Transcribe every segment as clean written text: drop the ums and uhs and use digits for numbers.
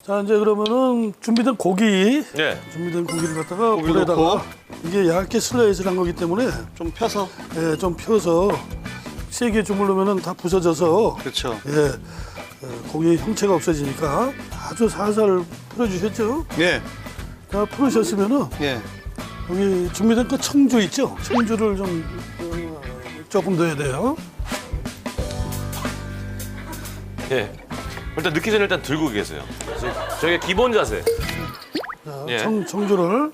자, 이제 그러면은 준비된 고기. 네. 준비된 고기를 갖다가 고기 물에다가 넣고. 이게 얇게 슬라이스를 한 거기 때문에 좀 펴서. 예, 좀 펴서 세게 주물르면은 다 부서져서 그렇죠. 예, 고기의 형체가 없어지니까 아주 살살 풀어주셨죠? 예. 다 풀으셨으면은 예. 여기 준비된 그 청주 있죠? 청주를 좀 조금 넣어야 돼요. 예. 일단 넣기 전에 일단 들고 계세요. 저게 기본 자세. 자, 예. 청주를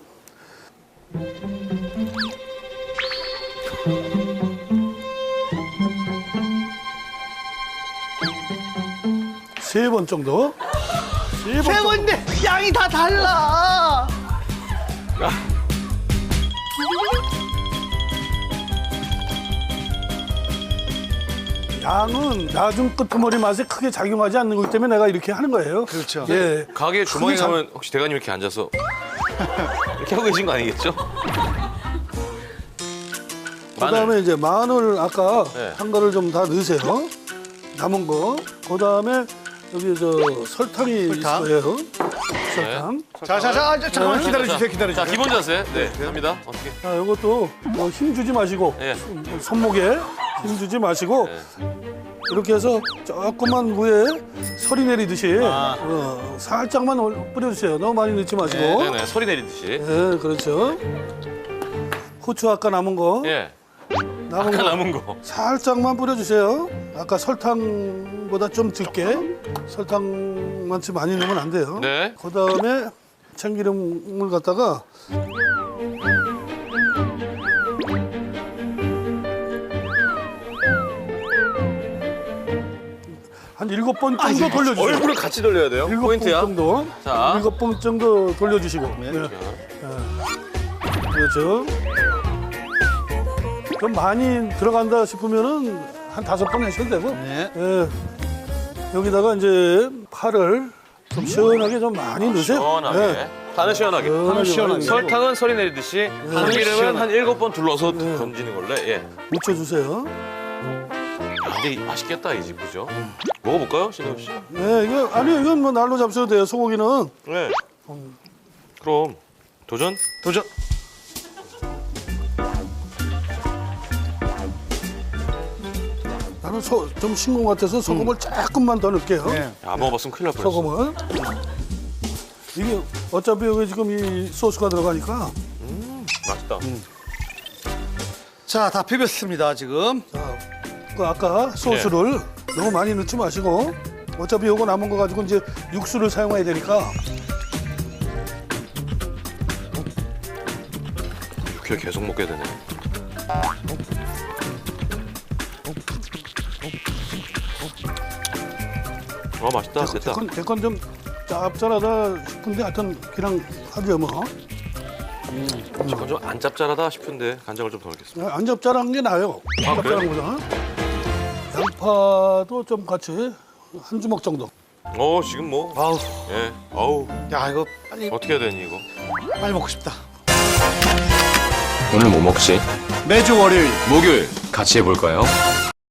세 번 정도. 세 번 세 정도. 번인데 양이 다 달라. 양은 나중 끄트머리 맛에 크게 작용하지 않는 거기 때문에 내가 이렇게 하는 거예요. 그렇죠. 예. 가게 주방에 크게 작- 가면 혹시 대가님 이렇게 앉아서 이렇게 하고 계신 거 아니겠죠? 그다음에 이제 마늘 아까 네. 한 거를 좀 다 넣으세요. 남은 거. 그다음에 여기 저 설탕이 설탕. 있을 거예요. 설탕. 자자자 잠깐만 네. 기다려주세요. 자, 기다려주세요. 기본 자세. 네, 갑니다. 어떻게? 자, 이것도 힘 주지 마시고 예. 손목에 힘 주지 마시고 네. 이렇게 해서 조금만 위에 서리 내리듯이 아. 살짝만 뿌려주세요. 너무 많이 넣지 마시고. 네, 네, 소리 내리듯이. 네, 그렇죠. 후추 아까 남은 거, 예. 남은 아까 거 남은 거. 살짝만 뿌려주세요. 아까 설탕보다 좀 적게. 설탕만치 많이 넣으면 안 돼요. 네. 그다음에 참기름을 갖다가 한 7번 정도 돌려주세요. 얼굴을 같이 돌려야 돼요. 7번 포인트야. 정도. 자. 7번 정도 돌려주시고. 네. 그렇죠. 좀 많이 들어간다 싶으면은 한 5번 하셔도 되고. 네. 예. 여기다가 이제 파를 좀 시원하게 좀 많이 넣으세요. 시원하게. 예. 파는 시원하게. 시원하게. 시원하게. 설탕은 소리 내리듯이 참기름은 시원하게. 한 7번 둘러서 건지는 걸로. 예. 묻혀주세요. 아, 근데 맛있겠다 이 집 그죠? 먹어볼까요, 신동 씨? 네, 이거 아니 이건 뭐 날로 잡숴도 돼요. 소고기는. 네. 그럼 도전? 도전. 나는 좀 싱거운 것 같아서 소금을 조금만 더 넣을게요. 네. 야, 안 먹어봤으면 큰일 날 뻔했어. 소금을. 이게 어차피 여기 지금 이 소스가 들어가니까. 맛있다. 자, 다 비볐습니다 지금. 자, 그 아까 소스를 너무 많이 넣지 마시고 어차피 요거 남은 거 가지고 이제 육수를 사용해야 되니까 육회 계속 먹게 되네. 맛있다. 됐다. 대건 좀 짭짤하다 싶은데 하여튼 그냥 하죠 뭐. 잠깐 좀 안 짭짤하다 싶은데 간장을 좀 더 넣겠습니다. 안 짭짤한 게 나아요. 아, 짭짤한 거잖아. 양파도 좀 같이 한 주먹 정도. 지금 뭐. 아우, 예. 어우. 야 이거 빨리 어떻게 해야 되니 이거? 빨리 먹고 싶다. 오늘 뭐 먹지? 매주 월요일 목요일 같이 해볼까요?